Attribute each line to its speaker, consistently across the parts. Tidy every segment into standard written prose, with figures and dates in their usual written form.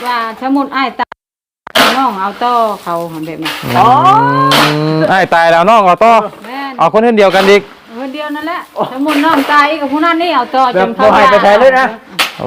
Speaker 1: ว่าสมมุติอ้ายตายน้องเอาต่อเขาแบบนี้
Speaker 2: อ๋อไอ้ตายแล้วน้องเอาต่อเอาคนเดียวกันอีก
Speaker 1: คนเดียวนั่นแหละสมมุติน้องตายกับผู้นั้นนี่เอาต่อจนเขา
Speaker 3: ให้ไปแทนเลยนะ
Speaker 2: โอ้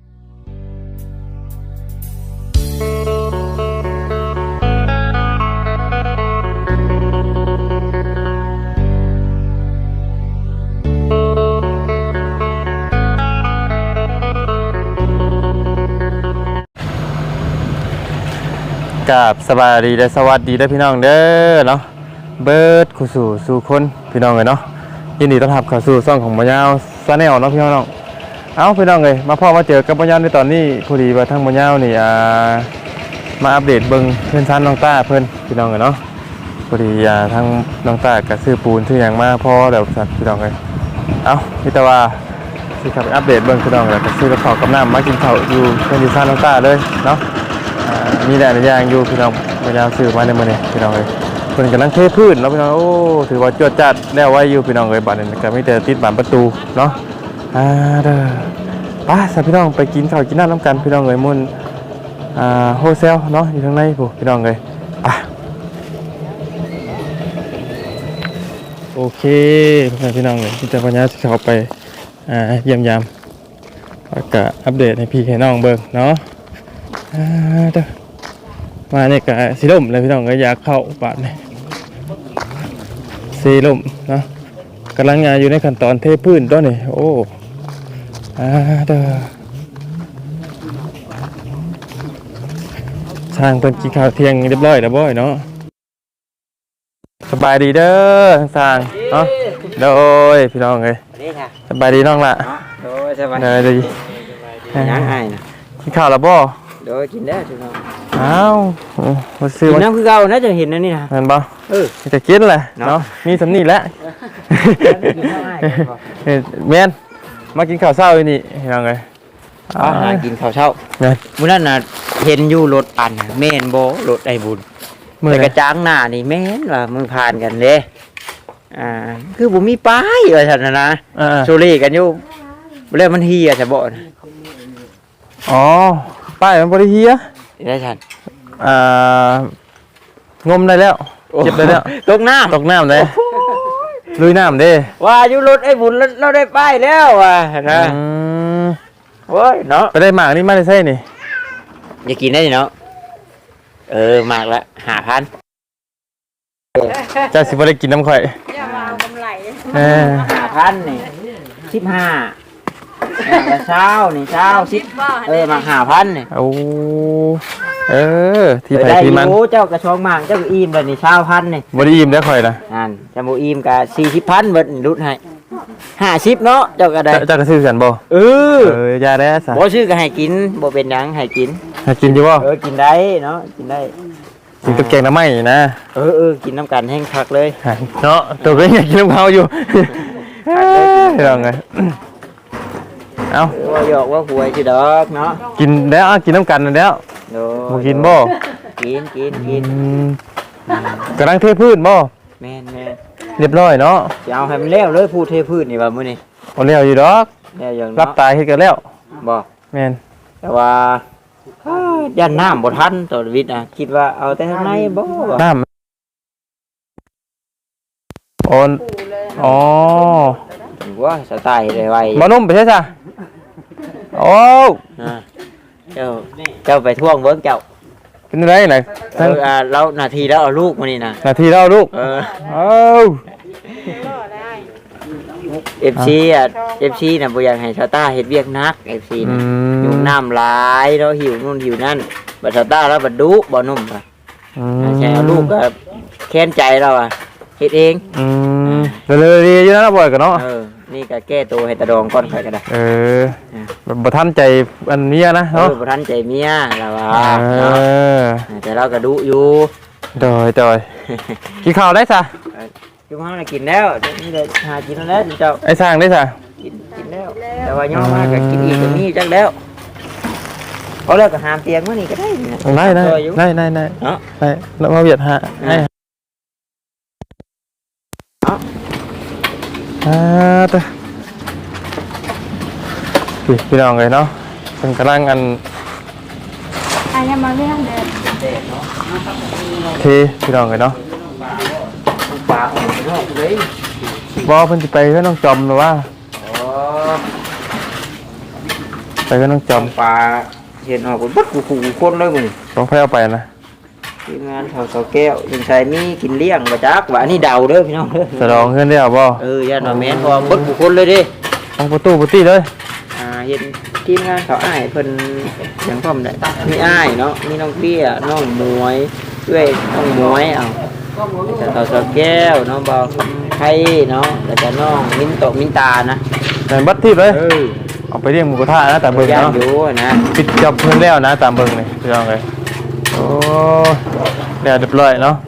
Speaker 2: กับสบายดีและสวัสดีได้พี่น้องเด้อเนาะเบิร์ดคู่สู่คนพี่น้องเลยเนาะยินดีต้อนรับเข้าสู่ช่องของบ่ยาวซาแนลเนาะพี่น้องเอาพี่น้องเลยมาพ่อมาเจอกับบ่ยาวในตอนนี้พอดีว่าทั้งบ่ยาวนี่มาอัปเดตเบิ่งเพื่อนชั้นน้องต้าเพิ่นพี่น้องเลยเนาะพอดีทั้งน้องต้ากับซื้อปูนซื้ออย่างมาพ่อเดี๋ยวสัตว์พี่น้องเลยเอาพี่ตะว่าสิขับไปอัปเดตเบิ่งพี่น้องเลยกับซื้อกระเป๋ากับน้ำมากินข้าวอยู่เพื่อนชั้นน้องต้าเลยเนาะมีแต่ในย่างอยู่พี่น้องพยายามซื้อมาในมื้อนี้พี่น้องเลยเพิ่นกำลังเทพื้นเนาะพี่น้องโอ้ถือว่าจวดจัดแล้วไว้อยู่พี่น้องเลยบัดนี้ก็มีแต่ติดบานประตูเนาะเด้อไปสัพี่น้องไปกินข้าวกินน้ำกันพี่น้องเลยมุ่นโฮเซลเนาะอยู่ข้างในพี่น้องเลยโอเคพี่น้องเลยที่จะปัญญาสิเข้าไปเยี่ยมยามแล้วก็อัปเดตให้พี่ให้น้องเบิ่งเนาะเด้อมาเนี่ยก็สีลมเลยพี่น้องก็อยากเข้าบาดนี่สีลมเนาะกำลังงานอยู่ในขั้นตอนเทพื้นตัวนี้โอ้เด้อช่างเป็นกินข้าวเที่ยงเรียบร้อยแล้วบ่อยเนาะสบายดีเด้อทั้งสางเนาะโดยพี่น้องเลยสบายดีน้องละ
Speaker 3: โดยสบาย
Speaker 2: ดี
Speaker 3: ยังไงนะ
Speaker 2: กินข้าวแล้วบ่
Speaker 3: โดยกินได้ถูกต้อง
Speaker 2: อ้าวมาซื้อ
Speaker 3: น้ำคือเก่านะจะเห็นนะนี่นะ
Speaker 2: เห็นบ่จะกินแหละเนาะมีสำนีแล้วแม่นมากินข้าวเช้าอยู่นี่ยังไง
Speaker 3: กินข้าวเช้ามื้อนั้นน่ะเห็นอยู่รถอันแม่นบ่รถไอ้บุญแต่กระจ้างหน้านี่แม่นว่ามึงผ่านกันเด้คือบ่มีป้ายว่าซั่นนะโซลี่กันอยู่แล้วมันเฮียซะบ่
Speaker 2: อ๋อป้ายมันบริเฮีย
Speaker 3: ได้ฉัน
Speaker 2: งมได้แล้วเก็บได้แล้ว
Speaker 3: ตกน้
Speaker 2: ำเลยลุยน้ำเด้
Speaker 3: ว่าอยู่รถไอ้บุญเราได้ป้ายแล้วว่ะนะโอ้ยเนาะ
Speaker 2: ไปได้หมากนี่มาได้ใช่นี่
Speaker 3: อย่ากินได้เนาะหมากละ5,000
Speaker 2: จะสิบ่ได้กินน้ำข่อย
Speaker 1: อย่ามาเอากำไร
Speaker 3: 5,000นี่15เช้านี่เช้า10มา5,000นี่
Speaker 2: โอ้ที่ไหนที่มัน
Speaker 3: เจ้ากระชองหมากเจ้าอิ่มเลยนี่20,000นี่
Speaker 2: บ่ได้อิ่มได้ข่อยนะ
Speaker 3: นั่นจะบ่อิ่มก็40,000เบิดรุดให้50เนาะเจ้าก็ได้
Speaker 2: เจ้าก็ซื้อกันบ่ยาได้ซะ
Speaker 3: บ่ซื้อก็ให้กินบ่เป็นหยังให้กิน
Speaker 2: อยู่บ่
Speaker 3: กินได้เนาะกินได้
Speaker 2: กินกับแกงน้ำไหม้นะ
Speaker 3: กินน้ำกันแห้งคักเลย
Speaker 2: เนาะตัวก็อยากกินน้ำเขาอยู่ยังไงเอา
Speaker 3: ว่าหยอกว่าหวยสิดอกเนาะ
Speaker 2: กินแล้วกินน้ำกันแล้วบ่กินบ่
Speaker 3: กิน
Speaker 2: กำลังเทพื้นบ่
Speaker 3: แม่น
Speaker 2: เรียบร้อยเนาะ
Speaker 3: จะเอาให้มันแล้วเลยพูดเทพื้นนี่ว่ามื้อนี้
Speaker 2: เอาแล้วอยู่ดอก
Speaker 3: แล้วอย่าง
Speaker 2: รับตายเฮ็ดกันแล้ว
Speaker 3: บ่
Speaker 2: แม่น
Speaker 3: แต่ว่าย่านน้ำบ่ทันต่อวิทย์นะคิดว่าเอาแต่ข้างในบ่
Speaker 2: น้ำอ๋อ
Speaker 3: ว่าสไตล์ไว
Speaker 2: บ่นุ่มไปใช่จ้ะโอ้
Speaker 3: เจ้าไปท่วงเบิ้งเจ้า
Speaker 2: เป็นไรไหน
Speaker 3: แล้วนาทีแล้วเอาลูกมานี่นะ
Speaker 2: นาทีแล้วเอาลูก
Speaker 3: FC น่ะบ่อยากให้ชาต้าเฮ็ดเวียกนัก FC น่ะอยู่น้ำหลายแล้วหิวนู่นหิวนั่นบัดชาต้าแล้วบัดดุบ่นุ่มค่ะใช่เอาลูกก็แค้นใจเราเฮ็ดเอง
Speaker 2: เลยๆอยู่นะบ่อยกันเนาะ
Speaker 3: นี่ก็แก้ตัวให้ตะดองก่อนค่อยก็ได้
Speaker 2: บ่ทันใจอันเมียนะเนาะ
Speaker 3: บ่ทันใจเมียแล้วว่าแต่เราก็ดุอยู่
Speaker 2: โดยกินข้าวได้ซะ
Speaker 3: กินข้าวน่ะกินแล้วนี่เลยหากินแล้วเจ้า
Speaker 2: ไอ้สร้างได้ซะ
Speaker 3: กินแล้วแต่ว่าย่อมาก็กินอีกก็มีจักแล้วเอาแล้วก็หามเตียงมื้อนี้ก็ได้
Speaker 2: ได้เนาะได้แล้วมาเวียดหาให้พี่น้องเลยเนาะเป็นกำลังอัน
Speaker 1: ยังมาเรื่องเด็ด
Speaker 2: เทพี่น้องเลยเนาะ
Speaker 3: ปลาของนอกเลย
Speaker 2: บ่เพิ่นสิไปเพื่อนน้องจอมหรือว่า
Speaker 3: อ๋อ
Speaker 2: ไปเพื่อนน้องจอม
Speaker 3: ปลาเห็นออกบนบัดกูคนเลยมึง
Speaker 2: ต้องไปเอาไปนะ
Speaker 3: ทีมงานเขาเสาแก้วยังใช้มีกินเลี้ยงมาจักว่าอันนี้เดาเด้อพี่น้องเด้อ
Speaker 2: สะดองเพื่อนได้เอาบ่
Speaker 3: ย่าหน่อยแม่นพอบัดกูคนเลยดิ
Speaker 2: ต้องประตูเลย
Speaker 3: เห็นทีมงานเขาอ้ายเพิ่นอย่างพร้อมได้มีอ้ายเนาะมีน้องเตี้ยน้องหมวยเอ้ยน้องหมวยเอาแต่เขาเสาแก้วน้องบ่าวไข่เนาะแล้วก็น้องมินโตมินตานะ
Speaker 2: แต่บัดที่เลยเอาไปเรียกหมูกระทะนะตามเบิ่ง
Speaker 3: ย่าง
Speaker 2: เนาะ
Speaker 3: อยู่นะ
Speaker 2: ปิดจอบเพื่อนแล้วนะตามเบิ่งเลยพี่น้องเลยโอ้เดี๋ยวเรียบร้อยเนาะ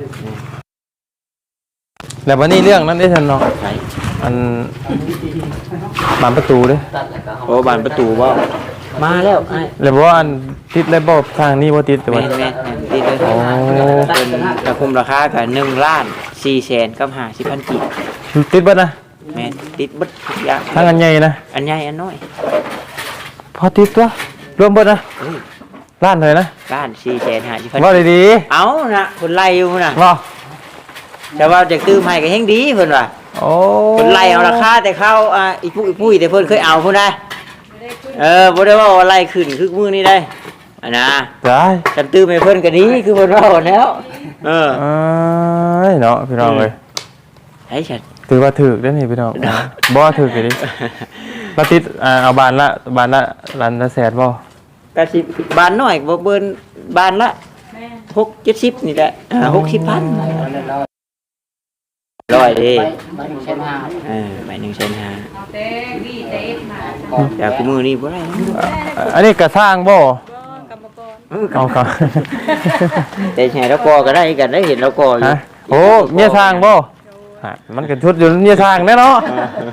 Speaker 2: แล้ววันนี้เรื่องนั้นได้ทันเนาะอันบานประตูเด้
Speaker 3: โอ้บานประตูบ่มาแล้วไอ้
Speaker 2: แล้วบอกว่าอันติดแล้วบอกทางนี้ว่าติดแต่
Speaker 3: แม่
Speaker 2: ว่า
Speaker 3: นติดเลยเป็นกระคุมราคากับ1,400,000กับ50,000กีบ
Speaker 2: ติดเบิดนะ
Speaker 3: แม่นติดเบิดทุกอย่าง
Speaker 2: ทางอันใหญ่นะ
Speaker 3: อันใหญ่อันน้อย
Speaker 2: พอติดตัวรวมเบิดนะล้านเลยนะ
Speaker 3: 1,450,000
Speaker 2: ว่าดี
Speaker 3: เอานะคนไล่อยู่นะ
Speaker 2: ๆว่า
Speaker 3: แต่ว่าจะตื้มให้ก็แฮงดีเพิ่นว่า
Speaker 2: โอ้
Speaker 3: คนไล่เอาราคาแต่เขาอีปุ้ยแต่เพิ่นเคยเอาพุ่นได้บ่ได้ว่าไล่ขึ้นคือมื้อนี้ได้อันนะ
Speaker 2: ได้
Speaker 3: กันตื้มให้เพิ่นก็ดีคือเพิ่นว่าแล้ว
Speaker 2: เอ้ยเนาะพี่น้องเลย
Speaker 3: ไอ้ฉัน
Speaker 2: ถือว่าถือได้นี่พี่น้องบ่ถือกันดิเราติดเอาบานละล้านละแสนบ่
Speaker 3: ก็สิบานน้อยบ่เบิ่นบานละ6-70นี่แหละ60,000ร้อยดิไป1,500,000
Speaker 1: เต้ดีเต้มา
Speaker 3: แต่กูมือนี่บ่ได้
Speaker 2: อันนี้กระสร้างบ่
Speaker 1: กรรมกร
Speaker 2: เอาครับ
Speaker 3: แต่แห่แล้วก็ได้กันได้เห็นแล้วก็อยู่
Speaker 2: ฮะโอ้เมียสร้างบ่ฮะมันก็ชุดอยู่เมียสร้างแน่เนาะ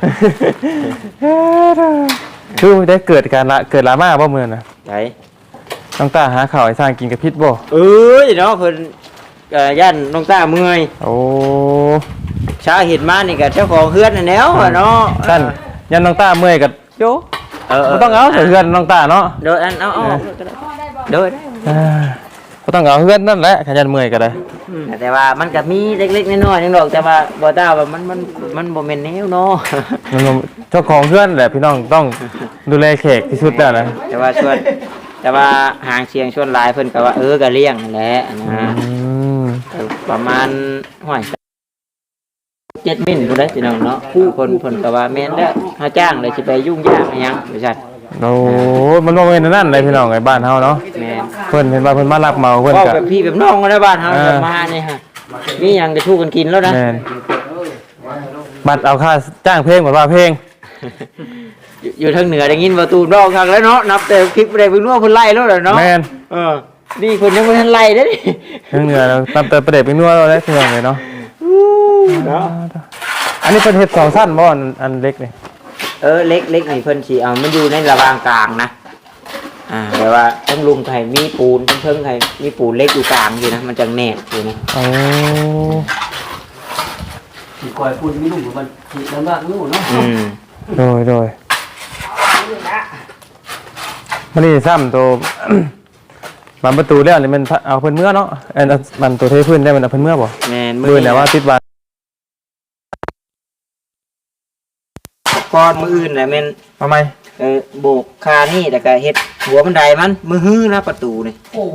Speaker 2: คือได้เกิดลามาบ่มื้อน่ะ
Speaker 3: ไผ
Speaker 2: ต้องตาหาข้าวให้สร้างกินกับพิษบ่
Speaker 3: เอ้ยเนาะเพิ่นย่านน้องตาเมื่อย
Speaker 2: โอ้
Speaker 3: ชาเห็นมานี่ก็เจ้าของเฮือนนั่นแหล้วเนาะ
Speaker 2: ท่านยันน้องตาเมื่อยกับโยบ่ต้องเอาใส่เฮือนน้องตาเนาะ
Speaker 3: โดยอันเอาโดยได้
Speaker 2: บ่ต้องเอาเฮือนนั่นแหละขยันเมื่อยก็ได้
Speaker 3: แต่ว่ามันก็มีเล็กๆน้อยๆนึงดอกแต่ว่าบ่ตาว่ามันบ่แม่นแนวเนาะ
Speaker 2: เจ้าของเฮือนแหละพี่น้องต้องดูแลแขกที่สุดแล้วนะ
Speaker 3: แต่ว่าหางเสียงชวนหลายเพิ่นก็ว่าก็เลี้ยงนั่นแหละนะประมาณห้อย7 มิ้นผู้ใดพี่น้องเนาะผู้เพิ่นก็ว่าแม่นแล้วเฮาจ้างเลยสิไปยุ่งยากอิหยังบ่ซั่น
Speaker 2: โอ้มันบ่แม่นนั่นเลยพี่น้องไอ้บ้านเฮาเนาะ
Speaker 3: แม่น
Speaker 2: เพิ่นเห็นว่าเพิ่นมารับเหมาเพิ่น
Speaker 3: ก็
Speaker 2: ก็
Speaker 3: แบบพี่แบบน้องในบ้านเฮามานี่ฮะมีหยังจะชูกันกินแล้วนะ
Speaker 2: แม่นบัดเอาค่าจ้างเพลงบ่ว่าเพลง
Speaker 3: อยู่ทางเหนือได้ยินประตูนอกทางแล้วเนาะนับแต่คลิปได้เพิ่นว่าเพิ่นไล่แล้วเนาะ
Speaker 2: แม่น
Speaker 3: นี่เพิ่นยังบ่ทันไล่เด้
Speaker 2: ทางเหนือเราตามเติมประเด็ดเป็นนัวเราได้พี่น้องเลยเนาะ
Speaker 3: เนาะ
Speaker 2: อันนี้เพิ่นเฮ็ด2ชั้นบ่อันเล็กนี่
Speaker 3: เล็กนี่เพิ่นสิเอามันอยู่ในระหว่างกลางนะแต่ว่าทั้งลุมไทยมีปูนทั้งเทิงไทยมีปูนเล็กอยู่กลางอยู่นะมันจังแน่อยู่นะ
Speaker 2: โอ้
Speaker 4: thì coi phun cái đủ của mình thì nó bạc đủ nó
Speaker 2: โดยมันนี่ซ้ำตัว บานประตูแล้วนี่มันเอาเพิ่นเมื่อเนาะมันตัวเทพื้นได้มันเอาเพิ่นเมื่อบ่
Speaker 3: แม่น
Speaker 2: มือแต่ว่าติดบาน
Speaker 3: ก้อนมืออื่นแหละแม่น
Speaker 2: ทำไม
Speaker 3: โบกคานี่แต่ก็เฮ็ดหัวบันไดมันมือฮื้อนะประตูนี่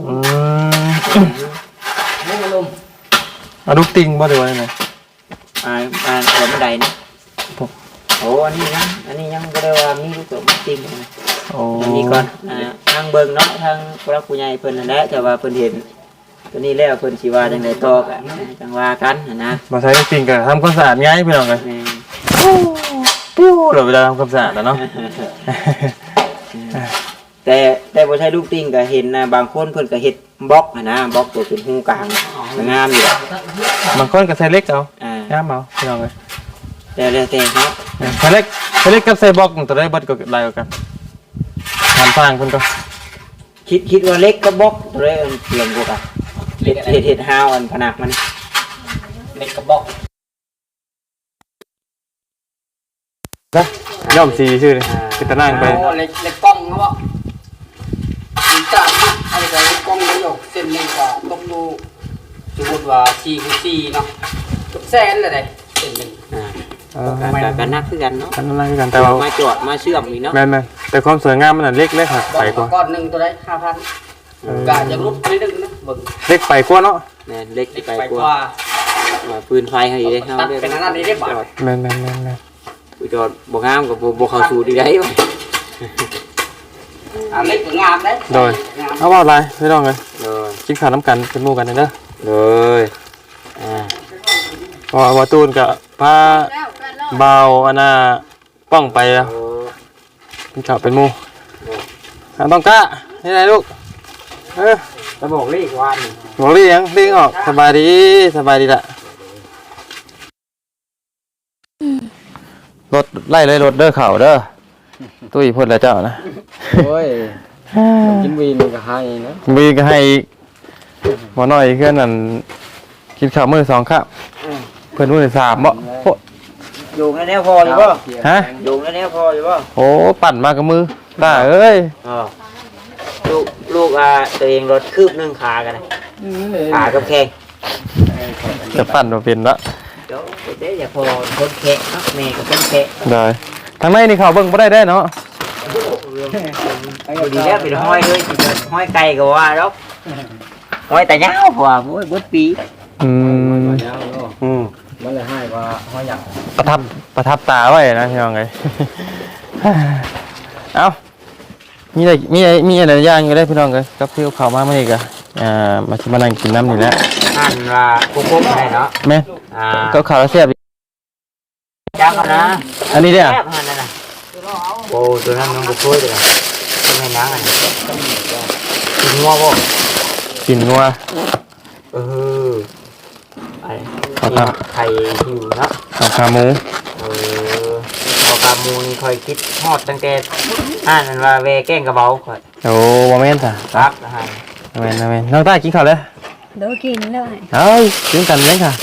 Speaker 2: เอาลูกติงบ่ได้ว่าไง
Speaker 3: หัวบันไดนี่โอ้อันนี้ยังก็ได้ว่ามีลูกตัวจริงนะ
Speaker 2: โอ้
Speaker 3: อันนี้ก่อนทางเบิ่งเนาะทางพระผู้ใหญ่เพิ่นนั่นแหละแต่ว่าเพิ่นเห็นตัวนี้แล้วเพิ่นสิว่าจังไดต่อกันจังว่ากันนะ
Speaker 2: มาใช้ลูกติงก็ทำความสะอาดง่ายพี่น้องเลย
Speaker 3: แม่น
Speaker 2: ปิ้วเราเวลาทำความสะอาดแล้วเนาะ
Speaker 3: แต่บ่ใช่ลูกติ้งก็เห็นนะบางคนเพิ่นก็เฮ็ดบล็อกนะบล็อกตัวเป็นหูกลางงามอยู่
Speaker 2: บางคนก็ใส่เล็กเอา
Speaker 3: อ่า
Speaker 2: ย่ามเอาพี่น้องเลย
Speaker 3: แต่แล้วแต่เนาะ
Speaker 2: ใส่เล็กกับใส่บล็อกตัวได้เบิดก็ลายกันทำสร้างเพิ่นก็
Speaker 3: คิดว่าเล็กกับบล็อกตัวได้อันเปลี่ยนกว่ากันเฮ็ดฮาวอันผนักมัน
Speaker 4: lấy cái bọc
Speaker 2: นะย่อมสีชื่อเลยคือตะนั่งไป
Speaker 4: lấy con nó bọc chúng ta hay là cái con nó ติว่า4x4เนาะกับแสนเลยได้เป็นหนึ่ง
Speaker 3: กันนักคือกันเนาะ
Speaker 2: กันนั่นคือกันแต่ว่า
Speaker 3: มาจอดมาเชื่อมอีกเนาะ
Speaker 2: แม่นๆแต่ความสวยงามมันน่ะเล็กค่ะไปกว่า
Speaker 4: ก้อนหนึ่งตัวได้5,000กะจะลดนิดนึงนะเบิ่ง
Speaker 2: เล็กไปกว่าเนาะ
Speaker 3: แม่นเล็ก
Speaker 4: ไป
Speaker 3: ไป
Speaker 4: ก
Speaker 3: ก
Speaker 4: ว่า
Speaker 3: ว่าปืนไฟให้ได้เฮา
Speaker 4: ตัดเป็นอันนั้นนี่ได้บาท
Speaker 2: แม่นๆ
Speaker 3: จอดบ่งามกับบ่เข้าสู่ดีได้บ่
Speaker 4: อันเล็กก็งามได้
Speaker 2: ๆโดยเอาว่าอะไรไม่ต้องเลย
Speaker 3: เลย
Speaker 2: กินข้าวน้ำกันเป็นหมู่กันเด้อ
Speaker 3: เลย
Speaker 2: พอว่าตูนกับพาเบาอันน่ะป้องไปแล้วกินข้าวเป็นหมู่ต้องกล้านี่ไงลูก
Speaker 3: จะบอกเลขวัน
Speaker 2: บอกเรียงเรียงออกสบายดีละรถไล่เลยรถเด้อเข่าเด้อตุ้ยพ่นแล้วเจ้านะ
Speaker 3: โอ้ยกินวีนก็ให้นะ
Speaker 2: มีก็ให้หมอน้อยเพื่อนนั่นกินข้าวมื้อ2ครับเพื่อนมื้อ3บ่โพด
Speaker 3: อยู่ในแนวพออยู่บ่
Speaker 2: ฮะ
Speaker 3: อยู่ในแนวพออยู่บ่
Speaker 2: โอ้ปั่นมากับมือตาเอ้ย
Speaker 3: ลูกตัวเองรถคืบนึงขากันนะขากับแข้ง
Speaker 2: จะปั่นมาเป็นละ
Speaker 3: เดี๋ยวอย่าพอคนแข้งเนาะแม่ก็เป็นแข้ง
Speaker 2: ได้ทางในนี่เขาเบิ่งบ่ได้เนาะ
Speaker 3: ดีแล้วเป็นห้อยด้วยสิห้อยไก่ก็ว่าดอกห้อยแต่ยาวกว่าโอ้ยเบิดปี
Speaker 2: อืม
Speaker 3: มันเลยให้ว่าห้อยหยัง
Speaker 2: ประทับตาไว้นะพี่น้องเอ้ย เอ้ามีอะไรย่างอยู่ได้พี่น้องเอ้ยกับพี่เขามามื้อนี้ก็มาสิมานั่งกินน้ำนี่แหละ
Speaker 3: หั่นว่าปุ๊บๆให้เนาะ
Speaker 2: แม่ก็ข้าวแล้วแซ่บ
Speaker 3: จังนะ
Speaker 2: อันนี้เด้อ
Speaker 3: แซ่บหั่นนั่นน่ะโอ้ตัวนั้นมันบ่ช่วยเลยทำไมนางอันนี้กินงัวบ่
Speaker 2: กินงัว
Speaker 3: ไอ้ไข่หิวเนาะ
Speaker 2: ข้าวขาหมู
Speaker 3: พอกามูนี่คอยคิดฮอดตั้งแต่นั่นว่าเวแกงกระเบาค่อย
Speaker 2: โอ้บ่แม่นจ้ะ
Speaker 3: รักนะฮะ
Speaker 2: บ่แม่นน้องตากินข้าวแล้ว
Speaker 1: เดี๋ยวกินเลย
Speaker 2: เอ้ยกินกันเลยค่ะ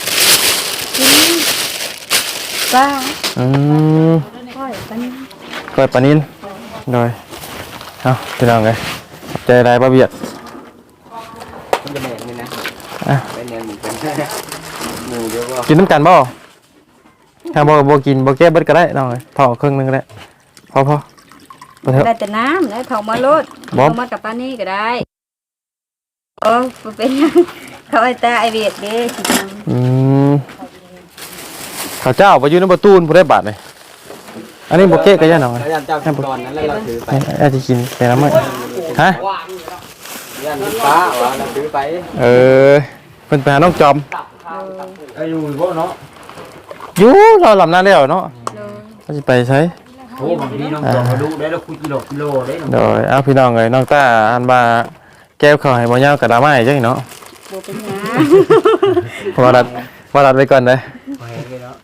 Speaker 1: ป้า
Speaker 2: อืม
Speaker 1: ค่อยปัน
Speaker 2: ก้อยปลานินโดยเอาพี่น้องเลยขอบใจได้ป้าเบียด
Speaker 3: มันจะแม่นนี่นะ
Speaker 2: อ่ะ
Speaker 3: เป็นแนวหมูเป็นหมูเยอะว่า
Speaker 2: กินน้ำกันบ่ถ้าบ่กินบ่แก้เบิดก็ได้น้องเลยถอดครึ่งหนึงก็ได้พอไปเถอะ
Speaker 1: ได้แต่น้ำแล้วเขามาลด
Speaker 2: บ๊อบ
Speaker 1: เขามากับป้านี่ก็ได้โอ้เป็นยังเขาไอ้ตาไอเวียดเด้สิจัง
Speaker 2: อืมข้าวเจ้าไปอยู่ในประตูนผู้ได้บาทเลยอันนี้บ่แก้ก็ย่าน้องเลย
Speaker 3: แล้วเจ้ากินก่อนนั้นแล้วเราถือไป
Speaker 2: อาจจะกินแต่ละมื้อฮะ
Speaker 3: ยันป้าว่าเราถือไป
Speaker 2: เพิ่นไปหาน้องจอม
Speaker 3: อยู่บ่เนาะ
Speaker 2: อยู่เราลำหน้าแล้วเนาะ
Speaker 1: เลย
Speaker 2: เราสิไปใช้
Speaker 3: โอ้บางทีน้องจอมาดูได้แล้วคุยกิโลได้
Speaker 2: โดยเอาพี่น้องเลยน้องตาอันว่าแก้วข้าวให้บ่ยาวกับดราม่าจังเนาะ
Speaker 1: โบเป็นหยัง
Speaker 2: ว่ารัดไว้ก่อนเด้อ
Speaker 1: เป็นหยัง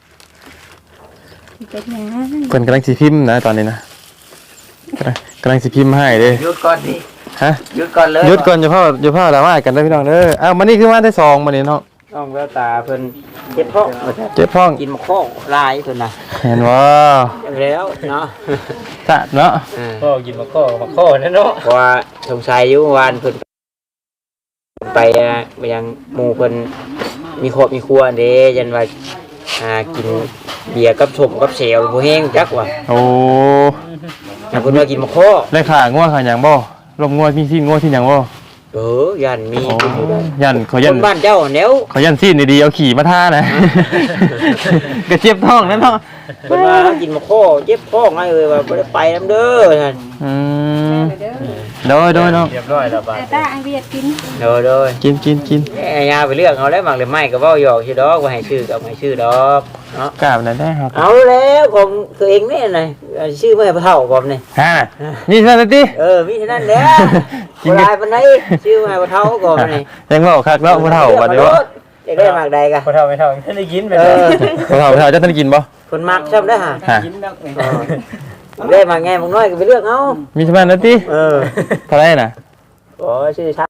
Speaker 2: เพิ่นกำลังสิพิมพ์นะตอนนี้นะกำลังสิพิมพ์ให้เด้
Speaker 3: หยุดก่อนดิ
Speaker 2: ฮะ
Speaker 3: หยุดก่อนเลย
Speaker 2: หยุดก่อนอย่าพ่อดราม่ากันเด้อพี่น้องเด้ออ้าวมื้อนี้คือมาได้2มื้อนี้เนาะ
Speaker 3: น้องแววตาเพิ่นเจ็บท้อง
Speaker 2: เจ็บท้อง
Speaker 3: กินมะข้อลายเพิ่นน่ะ
Speaker 2: เห็นบ่
Speaker 3: แล้วเนาะ
Speaker 2: จ้ะเนาะ
Speaker 3: พ่อกินมะข้อนั่นเนาะเพราะว่าสงสัยอยู่วานเพิ่นไปยังหมู่เพิ่นมีครอบมีครัวเด้ยันว่ากินเบียร์กับส้มกับเซลบ่แห้งจักว่า
Speaker 2: โอ้
Speaker 3: ถ้าเพิ่นว่ากินมะข้อ
Speaker 2: ได้ขางัวขาหยังบ่ลมงัวมีที่งัวที่หยังบ่
Speaker 3: ยันมี
Speaker 2: โอ้ยันขอ
Speaker 3: ค
Speaker 2: ยัน
Speaker 3: นบ้านเจ้าแนว
Speaker 2: ขอยันซีนดีๆเอาขี่มาท่านะ กระเจี๊ยบท้องนั่นเนาะ
Speaker 3: เพิ่นว่ากินมะข้อเจ็บท้องไงเอ้ยว่าบ่ได้ไปนำเด้อท่าน
Speaker 2: อืม
Speaker 1: เด้อ
Speaker 2: โดยเนาะ
Speaker 3: เรียบร้อยแล้วบาด
Speaker 1: ไอ้ตาไอเวียดกิน
Speaker 3: โดย
Speaker 2: กิน
Speaker 3: ยาไปเลือกเอาแล้วหมักเลยไม่ก็เว้าหยอกชื่อดอกว่าให้ชื่อก็ให้ชื่อดอกเนาะ
Speaker 2: กราบนั่นได้ครับ
Speaker 3: เอาแล้วของตัวเองนี่น่ะชื่อไม่ให้พ่อเฒ่าบ่นี่
Speaker 2: ฮะนี่ซะติ
Speaker 3: มีเท่านั้นแหละบ่ได้ปานใดชื่อไม่ให้พ่อเฒ่าก่อนนี่
Speaker 2: ยังเว้าคักเนาะผู้เฒ่าบัดนี้ว่า
Speaker 3: จะได้หมักใดกะ
Speaker 4: ไม่เท่าท่านได้ยินไป
Speaker 2: ผู้เฒ่าจะท่านกินบ่
Speaker 3: คนมักซ้ำได้อฮะ
Speaker 2: ฮะ
Speaker 4: ยินนัก
Speaker 3: ได้หมักไงมึงน้อยก็ไปเลือกเอา
Speaker 2: มีสมานนั่นติ
Speaker 3: เออ
Speaker 2: เท่าไหร่น่ะ
Speaker 3: โอ้ชื่อชัก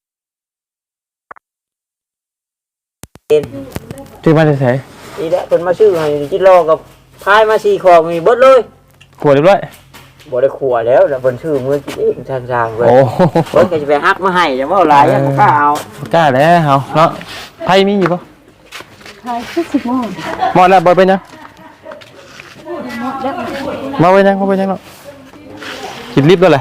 Speaker 2: ชื่อมาได้ไส
Speaker 3: นี่แหละเพิ่นมาชื่อให้จิรอกับพายมา4ขอบมีเบิดเลย
Speaker 2: ขวดเรียบร้อย
Speaker 3: บ่ได้ขัวแล้วเพิ่นชื่อมือกินเองทางๆเพิ่น
Speaker 2: โอ้
Speaker 3: เพิ่นก็สิไปฮักมาให้จะเว้าหลายยังบ่กล้าเอา
Speaker 2: กล้าแล้วเฮาเนาะไผมีอยู่บ่
Speaker 1: ใช่คือ10 โมง
Speaker 2: หมดแล้วบ่เป็นหยัง
Speaker 1: หมดแล้ว
Speaker 2: มาเป็นหยังบ่เป็นหยังเนาะกินลิฟต์แล้วแหละ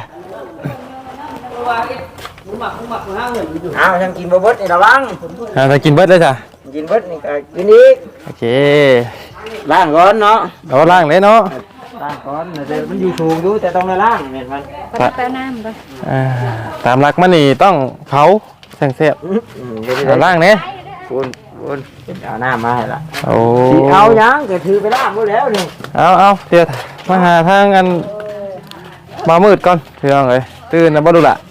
Speaker 3: เอาทำกินบ่เบิดนี่ระวัง
Speaker 2: ถ้ากินเบิดเลยจ้ะ
Speaker 3: กินเบิดนี่ก็กินอีก
Speaker 2: โอเค
Speaker 3: ล้างก่อนเนาะ
Speaker 2: เอาล้างเลยเนาะ
Speaker 3: ล้างก่อนแต่มันอยู่สูงอยู่แต่ต้องได้ล้างแม่นมัน
Speaker 1: ไปแป้น้ำเลย
Speaker 2: ตามหลักมันนี่ต้องเผาแสงเสียบ
Speaker 3: เดี๋ยว
Speaker 2: เอาล้างเนี่ย
Speaker 3: คุณเอาหน้ามาให้ละ
Speaker 2: โอ้
Speaker 3: สิเอายังก็ถือไปล้างหมดแล้วนี่
Speaker 2: เอาเดี๋ยวมาหาทางอันมามืดก่อนเพื่อนเลยตื่นนะบ่ดูละ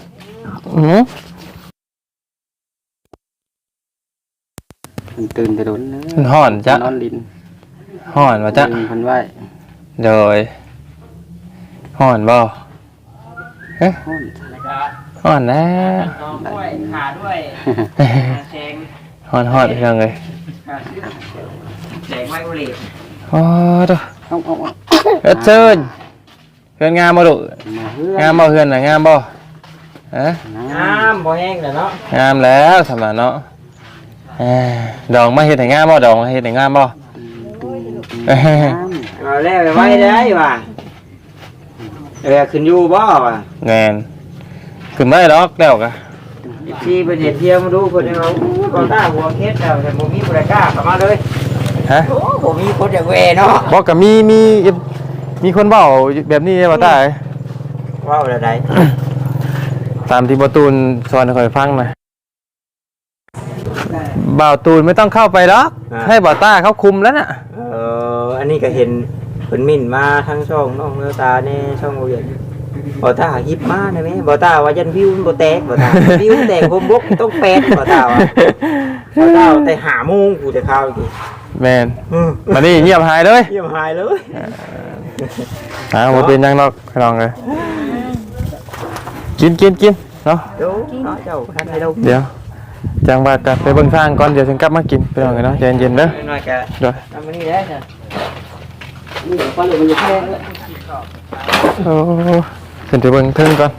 Speaker 4: มันตื่นแต่โดนนะ
Speaker 2: มันห่อนจ้ะ
Speaker 4: นอนลิ้น
Speaker 2: ห่อนวะจ้ะ
Speaker 4: พันไหว
Speaker 2: โดยห่อนบ่เอ๊ะ
Speaker 4: ห้อน
Speaker 2: ห่อนนะ
Speaker 3: ด้วยขาด้วยแสง
Speaker 2: ห่อนเพื่อนเลย
Speaker 3: แสงไวโอเลต
Speaker 2: โอ้ตัว
Speaker 4: เอา
Speaker 2: เชิญเพื่อนงามบ่ดุ
Speaker 4: มาเฮือง
Speaker 2: ามบ่เพื่อนน่ะงามบ่ฮะ
Speaker 3: น้ำบ่แห้งแล้วเนาะ
Speaker 2: งามแล้วสำหรับเนาะดองมาเฮ็ดให้งามบ่ดองมาเฮ็ดให้งามบ่
Speaker 3: เอาแล้วไปไว้ได้ว่ะขึ้นอยู่บ่ว่ะ
Speaker 2: แงนขึ้นไม่ดอกแล้วกะ
Speaker 3: ที่ไปเที่ยวมาดูเพิ่นเอาบ่ตาหัวเคสแล้วแต่บ่มีผู้ใดกล้าเข้ามาเลย
Speaker 2: ฮะ
Speaker 3: โอ้บ่มีคนอยากแวเนาะ
Speaker 2: บอกกับมีคนเว้าแบบนี้บ่ตาย
Speaker 3: ว้าวอะไร
Speaker 2: ตามที่บ่ตูนสอนให้ข่อยฟังนะบ่าวตูนไม่ต้องเข้าไปหรอกให้บ่าวต้าเขาคุมแล้วน่ะ
Speaker 3: อันนี้ก็เห็นเพิ่นมิ่นมาทั้งช่องน้องเนื้อตาในช่องโอเยนบ่ตาฮิปมาได้ไหมบ่ตาว่ายันวิวมันบ่แตกบ่ตาวิวแตกผมบกต้องแปดบ่ตาว่าบ่ตาแต่หาโมงกูจะเข้าอีก
Speaker 2: แม่นมานี่เงียบหายเลย
Speaker 3: เยี่ยมหายเลย
Speaker 2: บ่เป็นหยังดอกพี่น้องเอ้ยกินเนาะ
Speaker 3: ดูเนาะเจ้าท่านให้เรา
Speaker 2: เดี๋ยวจังว่ากันไปเบิ่งทางก่อนเดี๋ยวถึงกลับมากินพี่น้องเอ้ยเนาะใจเย็นๆเด้อ
Speaker 3: หน่อยๆก็
Speaker 2: เดี๋ยว
Speaker 3: ทำมานี่ได้จ้ะ
Speaker 4: นี่เดี๋ยวฟันเหลือมันจะแค่เลย
Speaker 2: โอ้ขึ้นไปเบิ่งเทิงก่อน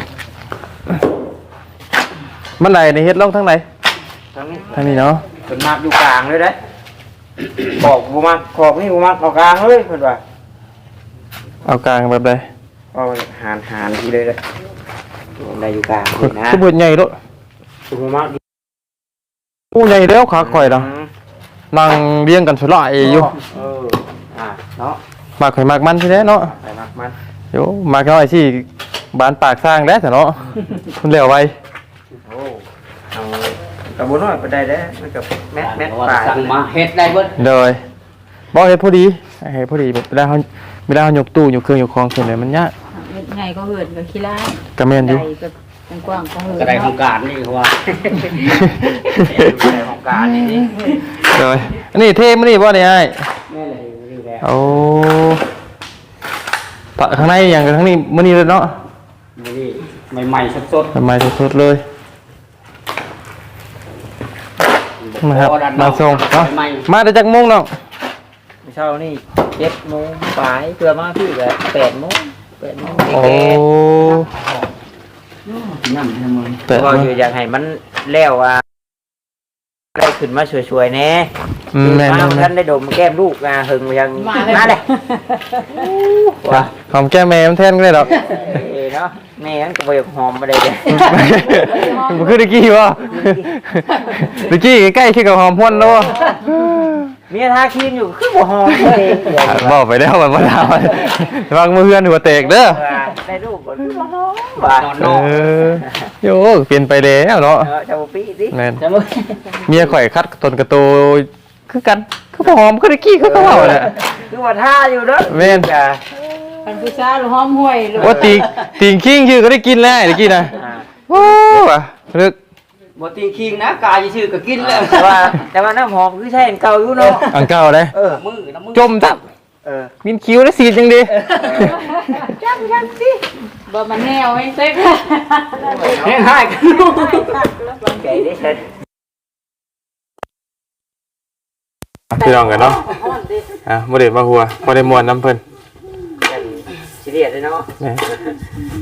Speaker 2: มันไหนในเฮ็ดลงทางไหน
Speaker 3: ทางนี้
Speaker 2: ทางนี้เนาะ
Speaker 3: เพิ่นมักอยู่กลางเลยเด้บอกบ่มักขอบนี่บ่มักเอากลางเลยเพิ่นว่า
Speaker 2: เอากลางแบบใด
Speaker 3: เอาหารทีเลยเลยได้อยู่กลางนี่นะ
Speaker 2: คือบ่ใหญ่โลด
Speaker 3: บ่มัก
Speaker 2: โอ้ใหญ่แล้วขาข่อยดอกนั่งเรียงกันสลายอยู่
Speaker 3: เนาะ
Speaker 2: มากข่อยมากมันที่แท้เนาะ
Speaker 3: ไปมักมัน
Speaker 2: โยมากน้อยสิบานปากสร้างแล้วแต่เนาะคุณแล้วไว้
Speaker 3: โอ้เอากระบุน้อยไปได้เด้มันกับแมท
Speaker 4: ว่า
Speaker 3: ป่า
Speaker 4: สั่งมาเฮ็ดได้เบิด
Speaker 2: เลยบ่เฮ็ดพอดีเฮ็ดพอดีแบบเวลาเฮายกตู้ยกเครื่องยกของขึ้นเลยมันยาก
Speaker 1: ไงก็เหินกับขี้ร้าย
Speaker 2: ก็แม่นอยู่
Speaker 1: ใดก็กว้างก็เหิน
Speaker 4: กระไดของการนี่เขาว่า
Speaker 3: ในของการนี่นี่
Speaker 2: เลยอันนี้เท่มื้อนี้บ่ได้อ้าย
Speaker 3: แม่เลยนี่แหละ
Speaker 2: โอ้ปะข้างในอย่างกับข้างนี้มื้อนี้เลยเนาะ
Speaker 4: นี่ใหม่ๆสด
Speaker 2: ใหม่สดๆเลยนะครับมาส่งเนาะมาได้จักโมงน้อง
Speaker 3: เช้านี่7 โมงปลายเพื่อมาพี่ก็8 โมง8 โมง
Speaker 2: โอ้
Speaker 4: ๆนั่นทำไม
Speaker 2: แต่
Speaker 3: ก็อยู่อยากให้มันแล้วว่าได้ขึ้นมาช่วยๆแน่
Speaker 2: แม่น
Speaker 3: มาท่านได้ดมแก้มลูกหึงยังมาเลย
Speaker 2: ว่ะหอมแก้มแม่มันแทนก็ได้ดอก
Speaker 3: เนาะแม่ก็บ่อยากหอมมาได้เด้
Speaker 2: มันคือตะกี้วะตะกี้ใกล้ๆคือกับหอมพ่นแล้ววะ
Speaker 3: เมียทาครีมอยู่คือบ่หอมเลย
Speaker 2: บอกไปแล้วมันมาถามวางมือเพื่อนหัวเตกเด้อ
Speaker 3: ได้รูปบ่บ่หอมว่า
Speaker 2: โยเปลี่ยนไปแล้วเนาะ
Speaker 3: เจ้าปี้สิ
Speaker 2: แม่น
Speaker 4: จะมึง
Speaker 2: เมียข่อยคัดตนกระโตคือกันคือหอมคือตะกี้คือเขาเว้าแหละ
Speaker 3: คือว่าท่าอยู่เด้อ
Speaker 2: แม่น
Speaker 3: จ้ะ
Speaker 1: มันผู้ชายหรือห้อมห้วยหรือ
Speaker 2: ว่าติงคิงชื่อก็ได้กินแล้วตะกี้นะโอ้ว่ะนึก
Speaker 4: บ่ตีคิงนะกายชื่อก็กินแล้ว
Speaker 3: แต่ว่าน้ำหอมคือใช่อันเก่าอยู่เนาะ
Speaker 2: อันเก่าเลย
Speaker 4: มือน้ำมือ
Speaker 2: จมทับมินคิ้วได้สีจังดี
Speaker 1: บ่มันแนวให้เซ็ก
Speaker 4: แห้งหายกันลูก
Speaker 3: ไก่ได้เสร็จ
Speaker 2: พี่น้องกันเนาะบ่ได้มาหัวบ่ได้ม่วนน้ำเพิ่น
Speaker 3: สิเรียสเลยเนาะ
Speaker 2: นี่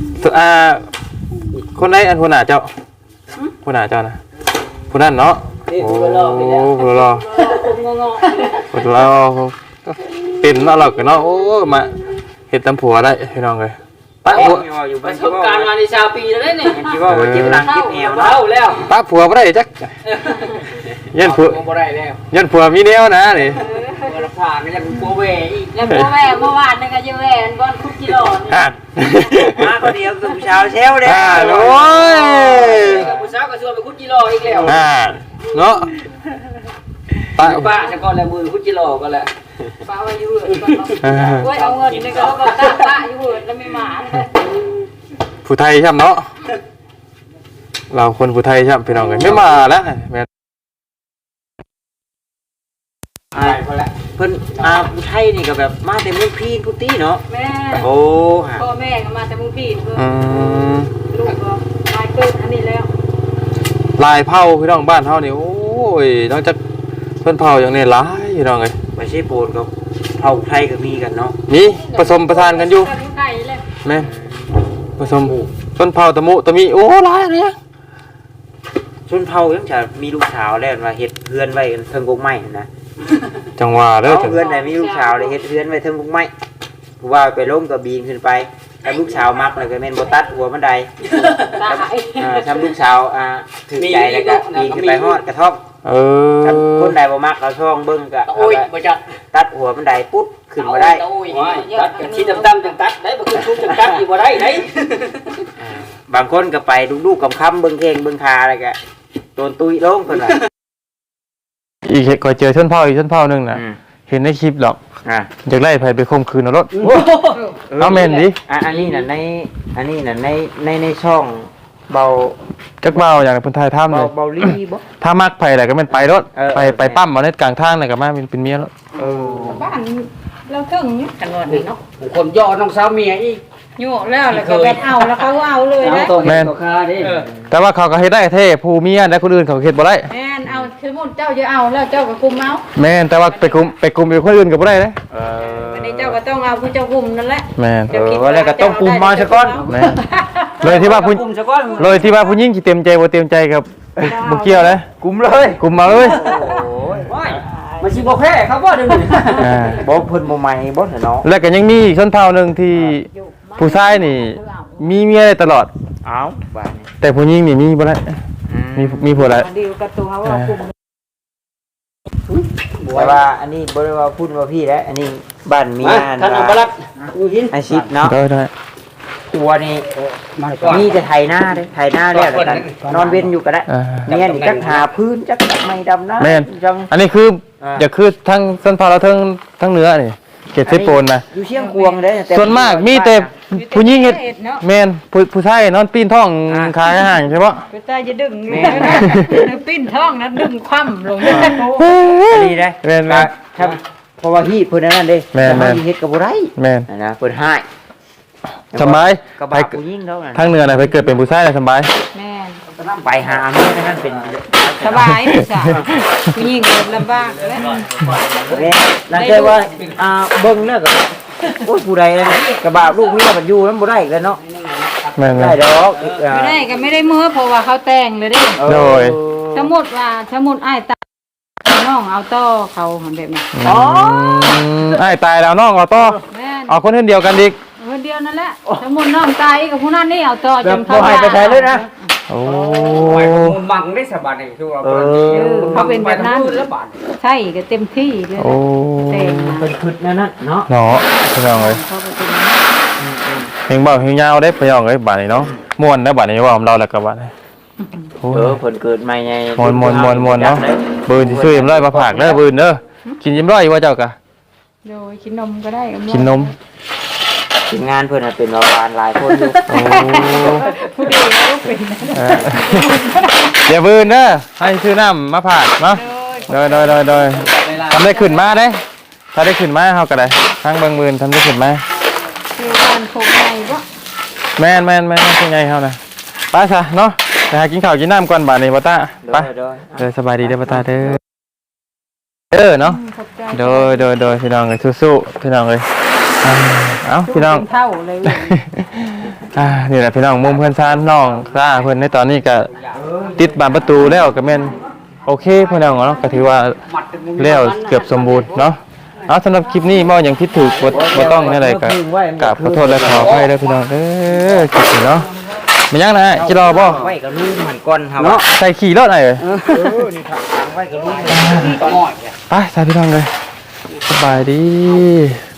Speaker 2: คนไหนอันหัวหน้าเจ้าหัวหน้าเจ้านะผู้นั้นเนาะ
Speaker 4: นี่
Speaker 2: โอ้
Speaker 4: ผู้รอพี่แล้ว
Speaker 2: ผู้รอ
Speaker 1: ผมงง
Speaker 2: ผู้รอเป็นเนาะเราก็เนาะโอ้มาเฮ็ดตำผัวได้พี่น้องเอ้ยปะผัว
Speaker 3: อยู่
Speaker 4: ป
Speaker 3: บ้า
Speaker 4: ระ
Speaker 3: น
Speaker 4: สบการณ์มาในชาวปีแล้วเนี่ย
Speaker 3: คิดว่าเจ็บหลังเจ็บแอว
Speaker 4: เล่าแล้ว
Speaker 2: ปะผัวบ่ได้จักยันผัว
Speaker 4: บ่ได้แล้ว
Speaker 2: ยันผัวมีแนวนะนี่
Speaker 4: เปิดผ่านก็ยังโปรเวอีก
Speaker 1: แล้วพ่อแม่เมื่อวานนึงก็จะแหวนก้อนคุกกิโลนี่
Speaker 2: อ่ะ
Speaker 3: มาคนเดียวกับผู้ชาวเซลเด้
Speaker 2: อ่าโอ้ย
Speaker 4: กับผู้สาวก็ชวนไปคุดจิโร่อีกแล้ว
Speaker 2: อ่าเนาะปะ
Speaker 4: ป้าจะก่อนแล้วมือคุดจิโร่ก็แล้ว
Speaker 1: ป้าว่าอยู่เหินก่อนเนาะโอ้ยเอาเงินนี่ก็แล้วก็ตั้งป้าอยู่เหินแล้วไม่หมาเลย
Speaker 2: ผู้ไทยใช่เนาะเราคนผู้ไทยใช่พี่น้องเอ้ยไม่มาแล้วแม่น
Speaker 3: เพิ่นผู้ไทยนี่ก็แบบมาแต่เมืองพีนพุตี้เนาะ
Speaker 1: แม่
Speaker 3: โอ้ฮะ
Speaker 1: พ่อแม่ก็มาแต่มึงพี่เพิ่น
Speaker 2: อืม
Speaker 1: ลูกก็ตายเกิดอันนี้แล้ว
Speaker 2: ลายเผาพี่น้องบ้านเฮานี่โอ้ยนอกจากเพิ่นเผาอย่างนี้หลายพี่น้องเอ้ย
Speaker 3: ไม่ใช่โปนกับเผ่าไทยก็มีกันเนาะ
Speaker 2: มีผสมประทานกันอยู่
Speaker 1: ไก่เลย
Speaker 2: แม่นผสมต้นเผาตะมุตะมีโอ้หลายอันเนี้ย
Speaker 3: ชนเผ่ายังจะมีลูกสาวแล้วว่าเฮ็ดเพื่อนไว้กันเทิงกกไม้นะ
Speaker 2: จังหวะเด้อ
Speaker 3: เอาเพื่อนไหนมีลูกสาวเลยเฮ็ดเพื่อนไว้เทิงกกไม้ผู้ว่าไปล้มกับบีนขึ้นไปถ้าลูกสาวมักแล้วก็แม่นบ่ตัดหัวมันใด
Speaker 1: ตาย
Speaker 3: ทำลูกสาวถือใจแล้วก็ปีนขึ้นไปฮอดกระท่อม
Speaker 2: เออ
Speaker 3: ถ้าคนใดบ่มักเอาช่องเบิ่งก็
Speaker 4: โอ้ยบ่จัด
Speaker 3: ตัดหัวมันใดปุ๊บขึ้นมาได้
Speaker 4: โอ้ยตัดกันที่ดำๆจังตัดได้บ่คือชุบจังตัดอีกบ่ได้ได้
Speaker 3: บางคนก็ไปลูกๆกำคำเบิ่งเข่งเบิ่งคาอะไรก็โดนตุยลงเพิ่นว่า
Speaker 2: อีกก็เจอชนเผาอีกชนเผาหนึงน่ะเห็นในคลิปหรอก
Speaker 3: อ่า
Speaker 2: อยากไล่ไผไปข่มขืนเอารถเอาแม่นดิ
Speaker 3: อันนี้น่ะในช่องเบา
Speaker 2: จักเบาอย่างเพิ่นถ่ายทำเลย
Speaker 3: เบาลี่บ่
Speaker 2: ถ้ามักไผแหละก็แม่นไปรถ
Speaker 3: เออ
Speaker 2: ไปปั๊มเอาในกลางทางน่ะก็มาเป็นเมียรถ
Speaker 1: บ้านเราถึงนี่กันวันนี้เนาะ
Speaker 4: คนย่อน้องสาวเมียอีก
Speaker 1: โยกแล้วก็แบบเอาแล้วเขาเอาเลยนะ
Speaker 4: ตัวเห็นตัวคาดิ
Speaker 2: แต่ว่าเขาก็เฮ็ดได้เท่ผู้เมียและคนอื่นเขาก็เฮ็ดบ่ได้
Speaker 1: แม่นเอาสมมุติเจ้าจะเอาแล้วเจ้าก็คุมเอา
Speaker 2: แม่นแต่ว่าไปกลุ่มอีกคนอื่นก็บ่ได้เด้
Speaker 1: วันนี้เจ้าก็ต้องเอาผู้เจ้าคุมนั่นแหละ
Speaker 2: แม่น
Speaker 3: ว่าแล้วก็ต้องกุมมาซะก่อน
Speaker 2: แม่นเลยที่ว่าผู้
Speaker 4: กุมซะก่อน
Speaker 2: เลยที่ว่าผู้หญิงสิเต็มใจบ่เต็มใจกับบ่เกี่ยวเลย
Speaker 3: กุมเลย
Speaker 2: กลุ่มมาเลย
Speaker 4: ว้ายมันสิบ่แพ้เขาบ่เดี๋ยวนี้
Speaker 2: อ่า
Speaker 3: บ่เพิ่นบ่ใหม่บ่เนาะ
Speaker 2: แล้วก็ยังมีอีกชนเผ่าหนึงที่ผู้ชายนี่ มีเมียได้ตลอด
Speaker 3: เอ้าบ้านนี้
Speaker 2: แต่ผู้หญิงนี่มีบ่ได้มีผัวแล้ว
Speaker 1: ดีกับตัวว่าคุม
Speaker 3: แต่ว่าอันนี้บ่ได้ว่าพูดว่าพี่แล้วอันนี้บ้านเมีย
Speaker 4: ท่านอัปลักษณ์อยู่หิน
Speaker 3: อาชีพเนาะ
Speaker 2: ได้
Speaker 3: ตัวนี่มีแต่ไถหน้าเด้ไถหน้าแล้วกันนอนเว้นอยู่ก็ได้
Speaker 2: อ่า
Speaker 3: เมียนี่จักหาพื้นจักไม่ดำนะ
Speaker 2: แม่น
Speaker 3: จัง
Speaker 2: อันนี้คือ
Speaker 3: อ่า
Speaker 2: อย่าคือทั้งชนเผ่าเราทั้งเหนือนี่เขตเซโปนนะ
Speaker 3: อยู่เชียงควงเด้แต่
Speaker 2: ส่วนมากมีแต่ผู้หญิงเฮ็ดแม่นผู้ชายนอนปีนท้องขายอาหารใช่ปะ
Speaker 1: ไปตายจะดึงปิ้นท้องนะดึงคว่ำลงเลย
Speaker 3: อันนี้ได้
Speaker 2: แม่น
Speaker 3: ครับเพราะว่าฮีดเพิ่นนั่นเด้
Speaker 2: แม่น
Speaker 3: แต่เฮาเฮ็ดก็บ่ได้
Speaker 2: แม่น
Speaker 3: นะเพิ่นให้
Speaker 2: สบาย
Speaker 3: ก็
Speaker 2: ไป
Speaker 3: บาผู้หญิงแล้วนั่น
Speaker 2: ทางเหนือน่ะไปเกิดเป็นผู้ชายน่ะสบาย
Speaker 1: แม่
Speaker 3: ไปหาเมียนั่นเป็น
Speaker 1: สบายผู้ชายผู้หญิงลำบากแล้ว
Speaker 3: แม่นั่นแค่ว่าเบิ่งแล้วก็โอ้ยผู้ใดนั่นกระบะลูกเมียมันอยู่นำบ่ได้อีกแล้วเนาะ
Speaker 2: แม่น
Speaker 3: ได้ดอก
Speaker 1: ไม่ได้ก็ไม่ได้มือเพราะว่าเขาแต่งเลยดิ
Speaker 2: โดย
Speaker 1: สมมติว่าสมมติอ้ายตาน้องเอาต่อเขาแบบนี้
Speaker 2: ไอ้ตายแล้วน้องเอาต่อ
Speaker 1: แม่น
Speaker 2: เอาคนเดียวกันอีก
Speaker 1: คนเดียวนั่นแหละสมมติน้องตายกับผู้นั้นนี่เอาต่อ
Speaker 3: แบ
Speaker 1: จ
Speaker 3: บ
Speaker 1: น
Speaker 3: บ่
Speaker 1: เขา
Speaker 3: ให้ไปใช้เลยนะ
Speaker 2: โอ้
Speaker 4: บังได้สบายนี่คือว่า
Speaker 1: เขาเป็นแบบนั้น
Speaker 4: แล้วบาด
Speaker 1: ใช่ก็เต็มที่เลย
Speaker 2: โอ้
Speaker 1: แต่งมา
Speaker 3: เพิ่นขึ้นนั่นน่ะเนาะ
Speaker 2: เนาะพี่น้องเอ้ย
Speaker 1: เขาก็เป็นอย่างนั้น
Speaker 2: เพลงเบาเพลงยาวได้พี่น้องเอ้ยบัดนี้เนาะม่วนนะบัดนี้ว่าของเราแล้วก็บัดนี้โอ้ย
Speaker 3: เพิ่นเกิดใหม่ไง
Speaker 2: มวนเนาะบืนสิซื้อยิ้มร้อยมาฝากเด้อบืนเด้อกินยิ้มร้อยว่าเจ้ากะ
Speaker 1: โดยกินนมก็ได้
Speaker 2: กินนม
Speaker 3: ทีมงานเพิ่นน่ะเป็นประมาณหลายคนอยู่
Speaker 2: โอ้
Speaker 1: ผู้เดียวก็เป็น
Speaker 2: เดี๋ยวบืนเด้อให้ซื้อน้ำมาฝากเนาะโดยทำได้ขึ้นมาได้ถ้าได้ขึ้นมาเฮาก็ได้ทางเบิ่งบืนทำได้ขึ้นมา
Speaker 1: คือการโคงไงวะ
Speaker 2: แม่นเป็นไงเฮานะไปซะเนาะไปหากินข้าวกินน้ำก่อนบัดนี้บ่ตาไปเด้อสบายดีเด้อบ่ตาเด้อเนาะ
Speaker 1: ขอบใจ
Speaker 2: โดยพี่น้องเอ้ยสู้ๆพี่น้องเอ้ยเอ้าพี่น้อง
Speaker 1: เท่าเลย
Speaker 2: นี่แหละพี่น้องมุมเพื่อนซ่านน้องซ่าเพื่อนในตอนนี้ก็ติดบานประตูแล้วก็แม่นโอโอเคพี่น้องเนาะก็ถือว่าแล้วเกือบสมบูรณ์เนาะเอาสำหรับคลิปนี้บ่อย่างคิดถูกบ่ต้องนี่อะไรก็กราบขอโทษและขออภัยด้วยพี่น้องคลิปนี้เนาะมันยังนะจิรอบ่
Speaker 3: ไว้กับลูกมันก่อนครับ
Speaker 2: เนาะใส่ขี่รถหน่อยเอ้ย
Speaker 3: นี่ครับไว้กับลูกมันก่อน
Speaker 2: ไปสาพี่น้องเลยสบายดี